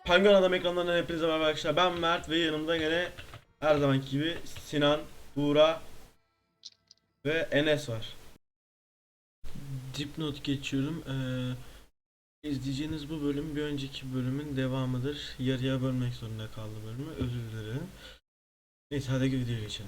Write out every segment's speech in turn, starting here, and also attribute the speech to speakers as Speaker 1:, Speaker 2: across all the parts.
Speaker 1: Penguin Adam ekranlarından hepinize merhaba arkadaşlar. Ben Mert ve yanımda gene her zamanki gibi Sinan, Buğra ve Enes var. Dipnot geçiyorum. İzleyeceğiniz bu bölüm bir önceki bölümün devamıdır. Yarıya bölmek zorunda kaldı bölümü. Özür dilerim. Neyse hadi videoya geçelim.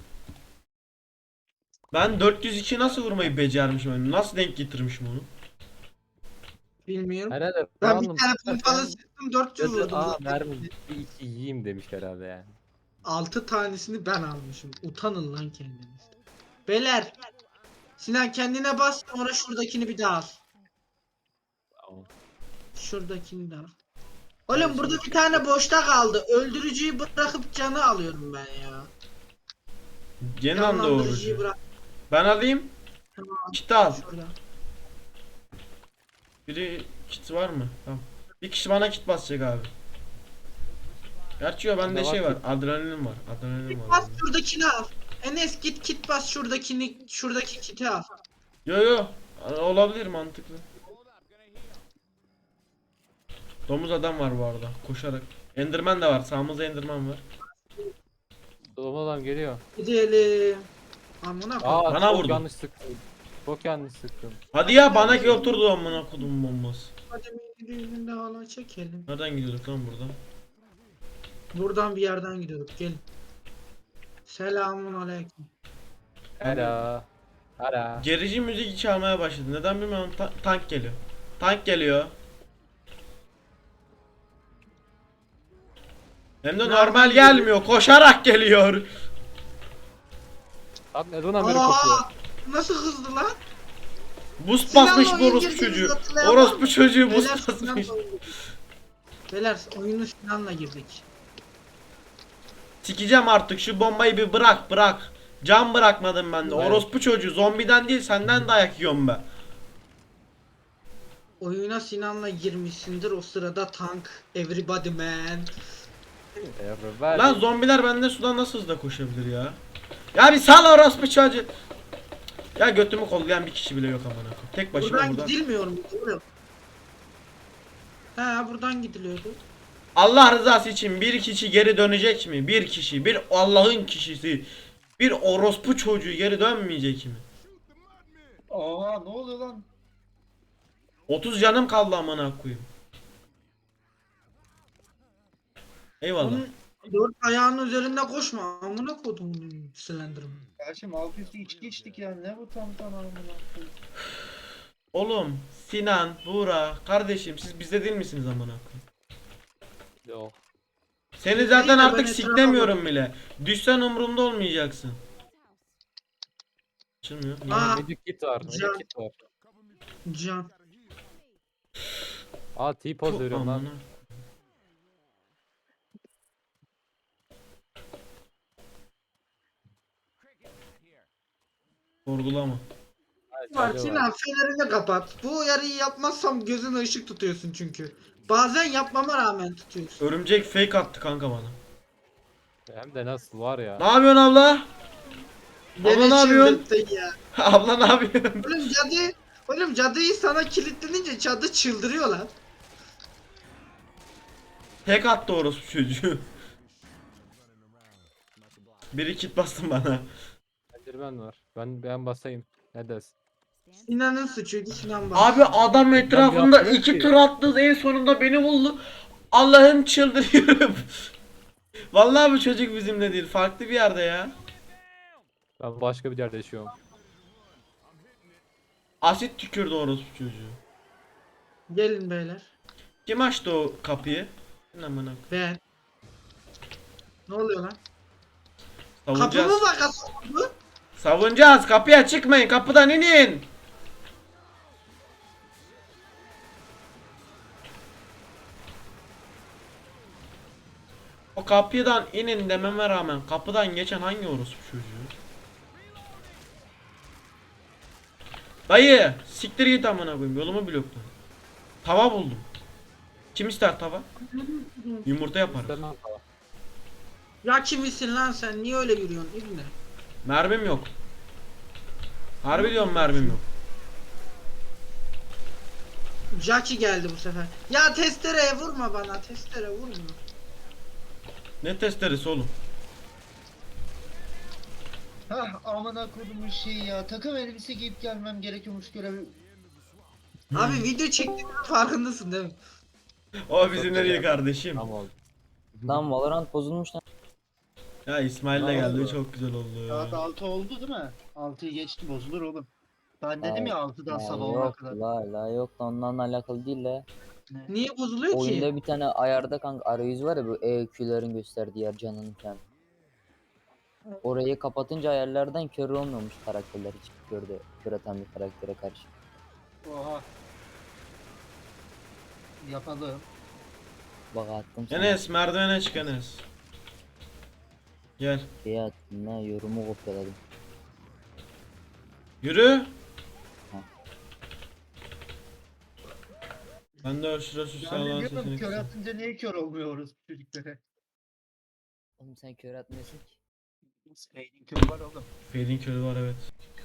Speaker 1: Ben 402 nasıl vurmayı becermişim? Nasıl denk getirmişim onu?
Speaker 2: Bilmiyorum.
Speaker 3: Herhalde
Speaker 2: Ben bir
Speaker 3: random
Speaker 2: tane pompalı
Speaker 3: tutarken
Speaker 2: sıktım 400
Speaker 3: dedi,
Speaker 2: vurdum zaten.
Speaker 3: mermi bir iki yiyeyim demiş herhalde yani.
Speaker 2: 6 tanesini ben almışım. Utanın lan kendiniz. Beyler. Sinan kendine bas sonra şuradakini bir daha al.
Speaker 3: Tamam.
Speaker 2: Şuradakini de al. Oğlum burada bir tane boşta kaldı. Öldürücüyü bırakıp canı alıyorum ben ya.
Speaker 1: Gene
Speaker 2: Canlandırıcıyı
Speaker 1: doğrucu.
Speaker 2: bırak.
Speaker 1: Ben alayım.
Speaker 2: Tamam.
Speaker 1: Kit al.
Speaker 2: Şurada.
Speaker 1: Biri kit var mı? Tamam. Bir kişi bana kit basacak abi. Gerçi yok bende
Speaker 3: Bende
Speaker 1: şey
Speaker 3: var
Speaker 1: var. Adrenalin var. Adrenalin var.
Speaker 2: Bas
Speaker 1: bende.
Speaker 2: şuradakini al. Enes git kit bas şuradaki kiti al.
Speaker 1: Yo yo. Olabilir mantıklı. Domuz adam var bu arada. Koşarak. Enderman de var. Sağımızda Enderman var.
Speaker 3: Doğum adam geliyor.
Speaker 2: Gidelim. Amına koy.
Speaker 3: Aa,
Speaker 1: Bana
Speaker 3: çok
Speaker 1: vurdu.
Speaker 3: yanlış sıktım. Çok yanlış sıktım.
Speaker 1: Hadi ya bana ki oturdu amına kodum bombası.
Speaker 2: Hadi bir de hala çekelim.
Speaker 1: Nereden gidiyorduk lan buradan?
Speaker 2: Buradan bir yerden gidiyorduk. Gelin. Selamun aleyküm.
Speaker 3: Ara. Ara.
Speaker 1: Gerici müzik çalmaya başladı. Neden bilmiyorum. Tank geliyor. Tank geliyor. Hem de
Speaker 2: Nereden
Speaker 1: normal
Speaker 2: geliyor?
Speaker 1: gelmiyor. Koşarak geliyor.
Speaker 3: Abi neden haberi kopuyor?
Speaker 2: Nasıl hızlı lan?
Speaker 1: Boost
Speaker 2: Sinan'la
Speaker 1: basmış bu
Speaker 2: oyun
Speaker 1: orospu
Speaker 2: girdiğimizi
Speaker 1: çocuğu.
Speaker 2: hatırlayalım.
Speaker 1: Orospu çocuğu
Speaker 2: Beyler,
Speaker 1: boost basmış.
Speaker 2: Beyler oyunu Sinan'la girdik.
Speaker 1: Sikeceğim artık şu bombayı bir bırak. Can bırakmadım ben de.
Speaker 3: Evet.
Speaker 1: Orospu çocuğu zombiden değil senden dayak yiyorum ben.
Speaker 2: Oyuna Sinan'la girmişsindir o sırada tank everybody man.
Speaker 3: Ver.
Speaker 1: Lan zombiler benden sudan nasıl hızlı koşabilir ya? Ya bir sal orospu çocuğu. Ya götümü kollayan bir kişi bile yok amına koyayım. Tek başıma
Speaker 2: Buradan
Speaker 1: buradan.
Speaker 2: gidilmiyor mu? Doğru. He buradan gidiliyordu.
Speaker 1: Allah rızası için bir kişi geri dönecek mi? Bir kişi, bir Allah'ın kişisi, bir orospu çocuğu geri dönmeyecek mi?
Speaker 4: Aa ne oluyor lan?
Speaker 1: 30 canım kaldı amına koyayım. Eyvallah.
Speaker 2: Onun dört ayağının üzerinde koşma. Amına kodum Slenderman.
Speaker 4: Kardeşim alt üstü içki içtik ya ne bu tam amına koyayım.
Speaker 1: Oğlum, Sinan, Buğra, kardeşim siz bizde değil misiniz amına koyayım?
Speaker 3: Yok.
Speaker 1: Seni
Speaker 2: Biz
Speaker 1: zaten
Speaker 2: değil de
Speaker 1: artık
Speaker 2: ben etrafa
Speaker 1: siklemiyorum bile. Düşsen umurumda olmayacaksın. Açılmıyor. Niye?
Speaker 2: Aa.
Speaker 3: Medic kit var.
Speaker 2: Can.
Speaker 3: Medic kit var.
Speaker 2: Can.
Speaker 3: Aa T-pose
Speaker 1: Puh,
Speaker 3: veriyorum lan.
Speaker 1: amına. Sorgulama.
Speaker 3: Evet,
Speaker 2: Var
Speaker 3: alo
Speaker 2: Sinan fenerini kapat. Bu uyarıyı yapmazsam gözüne ışık tutuyorsun çünkü. Bazen yapmama rağmen tutuyorsun.
Speaker 1: Örümcek fake attı kanka bana.
Speaker 3: Hem de nasıl var ya.
Speaker 1: Ne yapıyorsun abla?
Speaker 2: Beni
Speaker 1: ne yapıyorsun?
Speaker 2: çıldırttın ya.
Speaker 1: Abla ne yapıyorsun?
Speaker 2: Oğlum cadıyı sana kilitlenince cadı çıldırıyor lan.
Speaker 1: Tek attı orospu çocuğu. Biri kit bastın bana.
Speaker 3: Enderman var. Ben basayım. Ne dersin?
Speaker 2: Sinan'ın suçuydu Sinan bak.
Speaker 1: Abi adam etrafında
Speaker 3: yapmıyorum
Speaker 1: iki
Speaker 3: ki.
Speaker 1: tur attı en sonunda beni buldu. Allah'ım çıldırıyorum. Vallahi bu çocuk bizimle değil farklı bir yerde ya.
Speaker 3: Ben başka bir yerde yaşıyorum.
Speaker 1: Asit tükürdü orospu çocuğu.
Speaker 2: Gelin beyler.
Speaker 1: Kim açtı o kapıyı? Amına koyayım.
Speaker 2: Ben. Ne oluyor lan?
Speaker 1: Savunacağız.
Speaker 2: Kapımı bak bu.
Speaker 1: Savunacağız. Kapıya çıkmayın. Kapıdan inin. O kapıdan inin dememe rağmen kapıdan geçen hangi orospu çocuğu? Dayı siktir git amına koyayım yolumu blokla. Tava buldum. Kim ister tava? Yumurta yaparız.
Speaker 3: İstemem falan.
Speaker 2: Ya kimisin lan sen? Niye öyle yürüyorsun İbne?
Speaker 1: Mermim yok. Harbi diyorum mermim yok.
Speaker 2: Jackie geldi bu sefer. Ya testereye vurma bana. Testere vurma.
Speaker 1: Ne testeresi oğlum?
Speaker 4: Hah amına kodumun şeyi ya. Takım elbise giyip gelmem gerekiyormuş görevi.
Speaker 2: Abi video çektiğinin farkındasın değil mi?
Speaker 1: O bizim nereye kardeşim?
Speaker 3: Tam oldu.
Speaker 5: Lan Valorant bozulmuş lan.
Speaker 1: Ya İsmail de
Speaker 4: Ne
Speaker 1: geldi
Speaker 4: oldu?
Speaker 1: çok güzel oldu.
Speaker 4: Saat 6 oldu değil mi? 6'yı geçti bozulur oğlum. Ben dedim ya 6'dan
Speaker 5: Ya
Speaker 4: sabah 10'a
Speaker 5: yok
Speaker 4: kadar.
Speaker 5: la yok da ondan alakalı değil de.
Speaker 4: Ne?
Speaker 2: Niye bozuluyor ki?
Speaker 5: Oyunda bir tane ayarda kanka arayüz var ya bu EQ'lerin gösterdiği yer canının falan. Orayı kapatınca ayarlardan kör olmuyormuş karakterler hiç kör atan bir karaktere karşı.
Speaker 4: Oha. Yapalım.
Speaker 5: Bak attım sana.
Speaker 1: Enes merdivene çık Enes. Gel.
Speaker 5: Şey attım ne yorumu kopyaladım.
Speaker 1: Yürü.
Speaker 5: Ha.
Speaker 1: Ben de şurası şu
Speaker 4: Ben de
Speaker 1: sağlan
Speaker 4: diyorum
Speaker 1: sesini
Speaker 4: kör
Speaker 1: kısayım.
Speaker 4: atınca niye kör olmuyoruz çocuklara?
Speaker 5: Oğlum sen kör atmıyorsun ki.
Speaker 4: Spade'in körü var oğlum.
Speaker 1: Fading körü var evet.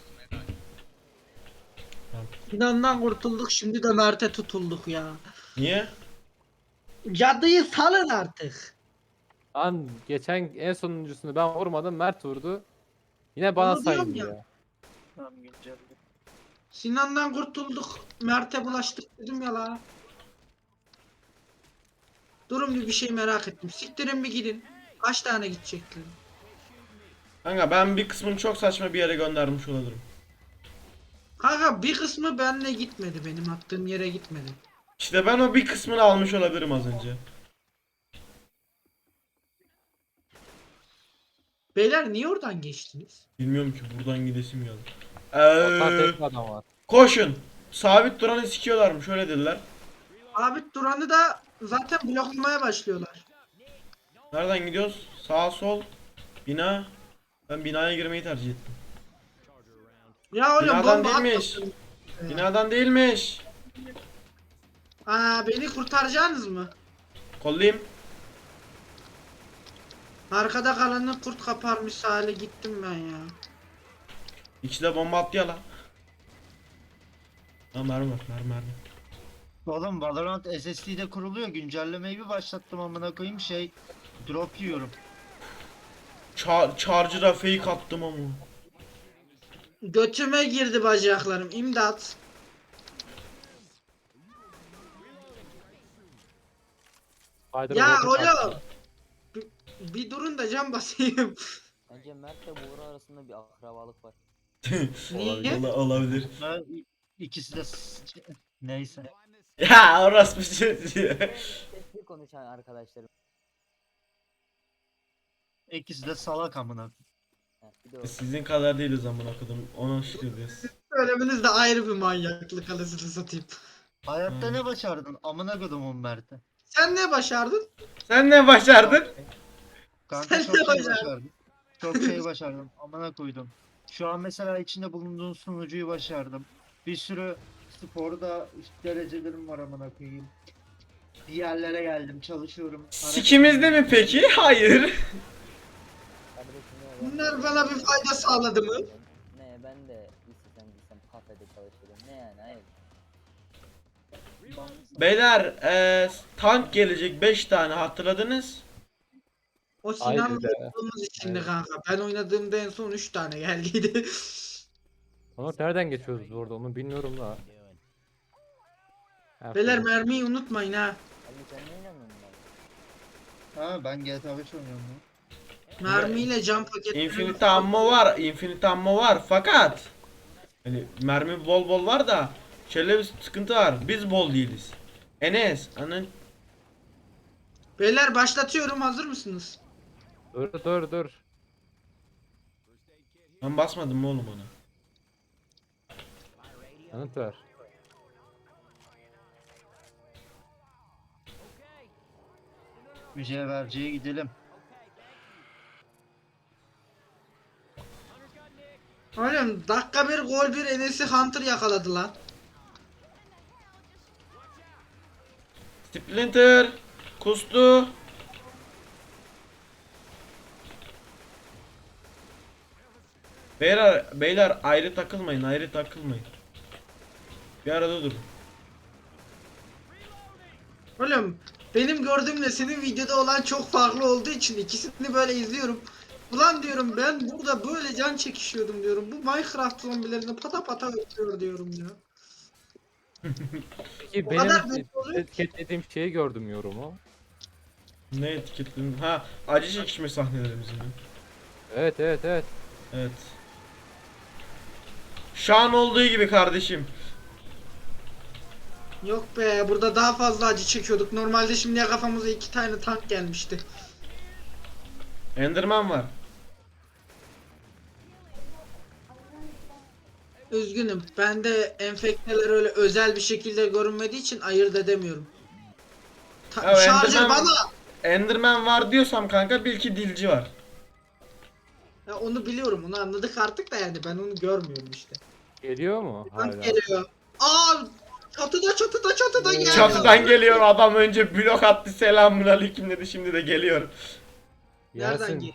Speaker 2: Sinan'dan kurtulduk şimdi de Mert'e tutulduk ya.
Speaker 1: Niye?
Speaker 2: Cadıyı salın artık.
Speaker 3: Lan geçen en sonuncusunu ben vurmadım. Mert vurdu. Yine bana
Speaker 2: Onu diyorum
Speaker 3: sayıldı
Speaker 2: ya.
Speaker 3: ya.
Speaker 4: Tamam güncel.
Speaker 2: Sinan'dan kurtulduk. Mert'e bulaştık dedim ya la. Durun bir şey merak ettim. Siktirin bir gidin. Kaç tane gidecekler?
Speaker 1: Kanka ben bir kısmını çok saçma bir yere göndermiş olabilirim.
Speaker 2: Kanka bir kısmı benle gitmedi. Benim attığım yere gitmedi.
Speaker 1: İşte ben o bir kısmını almış olabilirim az önce.
Speaker 2: Beyler niye oradan geçtiniz?
Speaker 1: Bilmiyorum ki buradan gidesim geldi.
Speaker 3: Ortada tek bir adam var.
Speaker 1: Koşun. Sabit duranı sikiyorlarmış öyle dediler.
Speaker 2: Abi Duran'ı da zaten bloklamaya başlıyorlar.
Speaker 1: Nereden gidiyoruz? Sağ sol. Bina. Ben binaya girmeyi tercih ettim.
Speaker 2: Ya oğlum
Speaker 1: Binadan
Speaker 2: bomba
Speaker 1: değilmiş.
Speaker 2: atmasın.
Speaker 1: Binadan değilmiş.
Speaker 2: Aa beni kurtaracaksınız mı?
Speaker 1: Kollayayım.
Speaker 2: Arkada kalanı kurt kaparmış hale gittim ben ya.
Speaker 1: İkisi de bomba attı ya lan. Ha mermi var mermi.
Speaker 4: Oğlum Valorant SSD'de kuruluyor. Güncellemeyi bir başlattım amına koyayım drop yiyorum.
Speaker 1: Charger'a fake attım ama.
Speaker 2: Götüme girdi bacaklarım. İmdat.
Speaker 3: Spider
Speaker 2: Ya
Speaker 3: Robo'yu
Speaker 2: oğlum.
Speaker 3: taktı.
Speaker 2: Bir durun da cam basayım.
Speaker 5: Bence Mert ile Buğra arasında bir akrabalık var.
Speaker 2: Niye?
Speaker 1: Olabilir.
Speaker 4: Ben ikisi de neyse.
Speaker 1: Ya orası bir şey diyor.
Speaker 5: Sesli konuşan arkadaşlarım.
Speaker 4: İkisi de salak amına.
Speaker 5: Ha, bir de o.
Speaker 1: Sizin kadar değiliz amına kodum. Ona şükür diyoruz.
Speaker 2: Söylemeniz de ayrı bir manyaklık anasını satayım.
Speaker 4: Hayatta
Speaker 1: Hmm.
Speaker 4: ne başardın? Amına kodumun Mert'e.
Speaker 2: Sen ne başardın?
Speaker 1: Sen ne başardın?
Speaker 4: Kanka
Speaker 2: Sen
Speaker 4: çok
Speaker 2: ne
Speaker 4: şey
Speaker 2: başardın?
Speaker 4: başardım. Çok şey başardım. Amına koydum. Şu an mesela içinde bulunduğun sunucuyu başardım. Bir sürü sporda derecelerim var amına koyayım. Bir yerlere geldim, çalışıyorum.
Speaker 1: Sikimizde mi peki? Hayır.
Speaker 5: Kardeşim ne
Speaker 2: Bunlar bana bir fayda sağladı mı?
Speaker 5: Ne ben de istesem gitsem kafede çalışırım. Ne yani hayır.
Speaker 1: Beyler tank gelecek 5 tane hatırladınız.
Speaker 2: O
Speaker 3: Haydi
Speaker 2: Sinan'la
Speaker 3: be.
Speaker 2: olduğumuz içindi
Speaker 3: Evet.
Speaker 2: kanka. Ben oynadığımda en son 3 tane geldiydi.
Speaker 3: Onur nereden geçiyoruz biz orada onu bilmiyorum da. Her
Speaker 2: Beyler
Speaker 3: türlü.
Speaker 2: mermiyi unutmayın ha.
Speaker 5: Ali sen ne inanıyorsun bana?
Speaker 4: Ha ben GTA 5 oynuyorum lan.
Speaker 2: Mermiyle cam paketi.
Speaker 1: Infinite ammo var. Infinite ammo var fakat hani mermi bol bol var da şöyle bir sıkıntı var. Biz bol değiliz. Enes, anın
Speaker 2: Beyler başlatıyorum, hazır mısınız?
Speaker 3: Dur.
Speaker 1: ben basmadım mı oğlum ona?
Speaker 3: Yanıt ver.
Speaker 4: Mücevherciye gidelim.
Speaker 2: Oğlum dakika bir gol bir Enes'i Hunter yakaladı lan.
Speaker 1: Splinter kustu. Beyler ayrı takılmayın. Bir arada durun.
Speaker 2: Oğlum benim gördüğümle senin videoda olan çok farklı olduğu için ikisini böyle izliyorum. Ulan diyorum ben burada böyle can çekişiyordum diyorum. Bu Minecraft zombilerini pata pata öldürüyor diyorum ya.
Speaker 3: Peki
Speaker 2: O
Speaker 3: benim
Speaker 2: kadar mutlu oluyor ki.
Speaker 3: etiketlediğim şeyi gördüm yorumu.
Speaker 1: Ne etiketledin? Ha, acı çekişme sahnelerimiz mi?
Speaker 3: Evet evet evet.
Speaker 1: Evet. Şu an olduğu gibi kardeşim.
Speaker 2: Yok be burada daha fazla acı çekiyorduk. Normalde şimdiye kafamıza 2 tane tank gelmişti.
Speaker 1: Enderman var.
Speaker 2: Üzgünüm. Ben de enfekteler öyle özel bir şekilde görünmediği için ayırt edemiyorum.
Speaker 1: Ya
Speaker 2: Şarjör
Speaker 1: Enderman-
Speaker 2: bana.
Speaker 1: Enderman var diyorsam kanka bil ki dilci var.
Speaker 2: Ya onu biliyorum. Onu anladık artık da yani ben onu görmüyorum işte.
Speaker 3: Geliyor mu?
Speaker 2: Tank
Speaker 3: Hala.
Speaker 2: geliyor. Aa! Çatıda geliyor.
Speaker 1: Çatıdan geliyor adam, önce blok attı, selamun aleyküm dedi, şimdi de geliyor.
Speaker 2: Nereden
Speaker 3: Yasin,
Speaker 2: geliyor?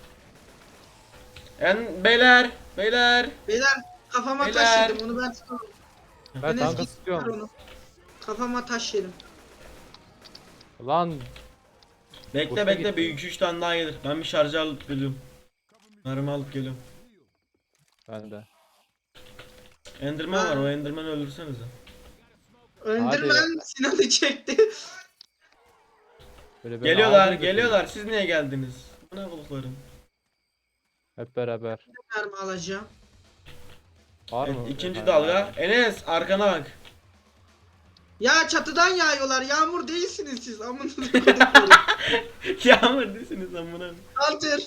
Speaker 1: Beyler
Speaker 2: Beyler kafama
Speaker 1: Beyler.
Speaker 2: taş yedim onu ben tutamam.
Speaker 3: ben
Speaker 2: Enes
Speaker 3: tanka
Speaker 2: git ver
Speaker 3: sıkıyorum.
Speaker 2: onu. Kafama taş yedim.
Speaker 3: Lan
Speaker 1: bekle
Speaker 3: Boşa
Speaker 1: bekle,
Speaker 3: gitti.
Speaker 1: bir 2-3 tane daha gelir. Ben bir şarjı alıp geliyorum. Mermi alıp geliyorum.
Speaker 3: ben de.
Speaker 1: Enderman var, o Enderman'ı öldürsenize.
Speaker 2: Öndürmen Sinan'ı çekti.
Speaker 3: Böyle beni
Speaker 1: Geliyorlar
Speaker 3: aldı götürdü.
Speaker 1: geliyorlar, siz niye geldiniz? Bu ne buluklarım?
Speaker 3: Hep beraber.
Speaker 2: Mermi alacağım.
Speaker 3: Var
Speaker 1: Evet,
Speaker 3: mı?
Speaker 1: ikinci
Speaker 3: Ha,
Speaker 1: dalga.
Speaker 3: var.
Speaker 1: Enes arkana bak.
Speaker 2: Ya çatıdan yağıyorlar. Yağmur değilsiniz siz. Amınızı koyduklarım.
Speaker 1: Yağmur değilsiniz amına.
Speaker 2: Hunter.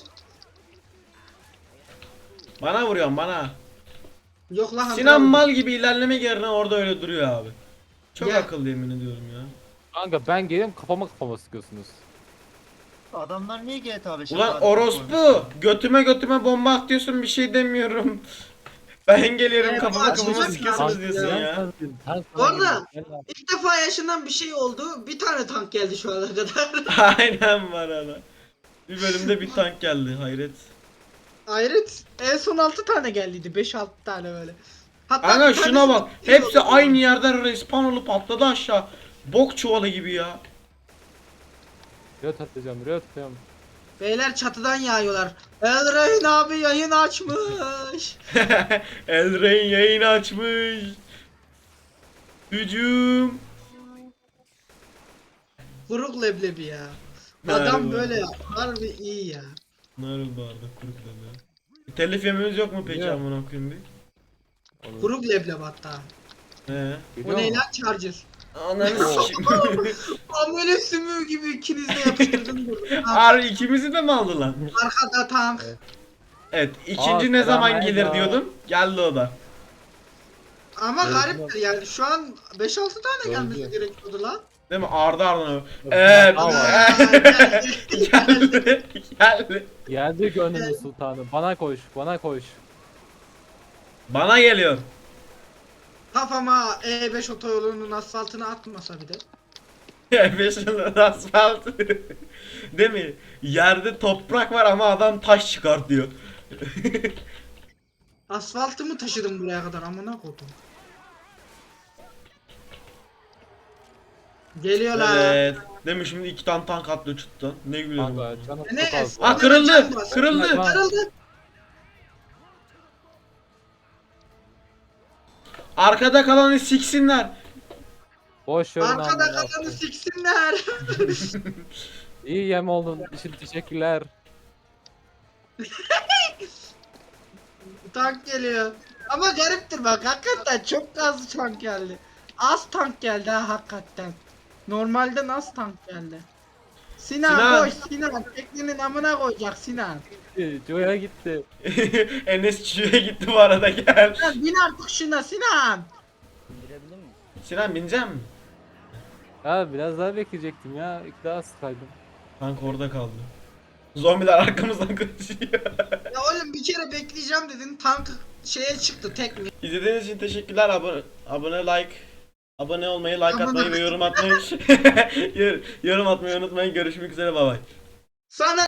Speaker 1: Bana vuruyorsun bana.
Speaker 2: Yok lan Hunter.
Speaker 1: Sinan mal gibi ilerlemek yerine orada öyle duruyor abi. Çok
Speaker 2: Ya.
Speaker 1: akıllı yemin ediyorum ya.
Speaker 3: Kanka ben geliyorum kafama sıkıyorsunuz.
Speaker 4: Adamlar niye GTA 5'e
Speaker 1: Ulan orospu, götüme bomba atıyorsun, bir şey demiyorum. Ben geliyorum
Speaker 2: Evet,
Speaker 1: kafama
Speaker 2: açılacak
Speaker 1: sıkıyorsunuz
Speaker 2: ya.
Speaker 1: diyorsun ya.
Speaker 2: Bu arada ilk defa yaşanan bir şey oldu. Bir tane tank geldi şu ana kadar.
Speaker 1: Aynen var ana. Bir bölümde bir tank geldi, hayret.
Speaker 2: Hayret. En son 6 tane geldiydi. 5-6 tane böyle. Hatta
Speaker 1: Kanka
Speaker 2: bir
Speaker 1: şuna
Speaker 2: tanesi
Speaker 1: bak,
Speaker 2: bir şey
Speaker 1: hepsi
Speaker 2: oldu.
Speaker 1: aynı yerden respawn olup atladı aşağı. Bok çuvalı gibi ya.
Speaker 3: Röt atacağım röt atacağım.
Speaker 2: Beyler çatıdan yağıyorlar. Elrain abi yayın açmış.
Speaker 1: Elrain yayın açmış. Hücum.
Speaker 2: Kuruk leblebi ya.
Speaker 1: Harbi.
Speaker 2: Adam böyle harbi iyi ya.
Speaker 1: Narıl bağırdı kuruk dedi. Telif yememiz yok mu peki
Speaker 3: Yok.
Speaker 1: amına koyayım bir?
Speaker 3: Olur.
Speaker 2: Kuruk leblebi hatta.
Speaker 1: He.
Speaker 3: Geliyor
Speaker 2: O ne
Speaker 3: mu?
Speaker 2: lan Charger?
Speaker 1: Ananı sikeyim.
Speaker 2: Amele sümüğü gibi ikiniz de yapıştırdın burada.
Speaker 1: Harbi ikimizi de mi aldı lan?
Speaker 2: Arkada tank.
Speaker 3: Evet.
Speaker 1: Evet, ikinci ne
Speaker 3: selam
Speaker 1: zaman gelir
Speaker 3: Eda.
Speaker 1: diyordum. Geldi o da.
Speaker 2: Ama
Speaker 3: Evet,
Speaker 2: gariptir yani şu an 5-6 tane
Speaker 3: Doğru
Speaker 2: gelmesi
Speaker 3: diyor.
Speaker 2: gerekiyordu lan.
Speaker 1: Değil mi? Arda ardına.
Speaker 3: Yok,
Speaker 1: Evet.
Speaker 3: daha var.
Speaker 1: Geldi. Geldi.
Speaker 3: Geldi gönlümün sultanı. Bana koş bana koş.
Speaker 1: Bana geliyor.
Speaker 2: Kafama E5 otoyolunun asfaltını atmasa bir de.
Speaker 1: Beşinci asfalt. Değil mi? Yerde toprak var ama adam taş çıkartıyor.
Speaker 2: Asfaltımı taşıdım buraya kadar amına koydum. Geliyorlar.
Speaker 1: Evet. Değil mi? Şimdi iki tane tank atlıyor çıktı. Ne gülüyorum.
Speaker 3: Kanka canım
Speaker 2: Ne?
Speaker 3: çok az.
Speaker 1: Aa, kırıldı. Kırıldı.
Speaker 2: Kırıldı.
Speaker 1: Arkada kalanı siksinler.
Speaker 3: Boş verin
Speaker 2: Arkada
Speaker 3: amına
Speaker 2: kalanı
Speaker 3: koyayım.
Speaker 2: siksinler.
Speaker 3: İyi yem oldun için teşekkürler.
Speaker 2: Tank geliyor. Ama gariptir bak hakikaten çok az tank geldi. Az tank geldi ha hakikaten. Normalden az tank geldi. Sinan,
Speaker 1: Sinan.
Speaker 2: koş Sinan. Teknenin amına koyacak Sinan.
Speaker 3: Joya gitti.
Speaker 1: Enes Çiğ'e gitti bu arada, gel.
Speaker 2: Sinan bin artık şuna Sinan.
Speaker 5: İndirebilir miyim?
Speaker 1: Sinan binecek mi?
Speaker 3: Ya biraz daha bekleyecektim ya. İlk daha sıkaydım.
Speaker 1: Tank orada kaldı. Zombiler arkamızdan koşuyor.
Speaker 2: Ya oğlum bir kere bekleyeceğim dedin tank şeye çıktı tekne.
Speaker 1: İzlediğiniz için teşekkürler. Abone olmayı, like
Speaker 2: Abone-
Speaker 1: atmayı ve yorum atmayı yorum atmayı unutmayın. Görüşmek üzere, bay bay.
Speaker 2: Sana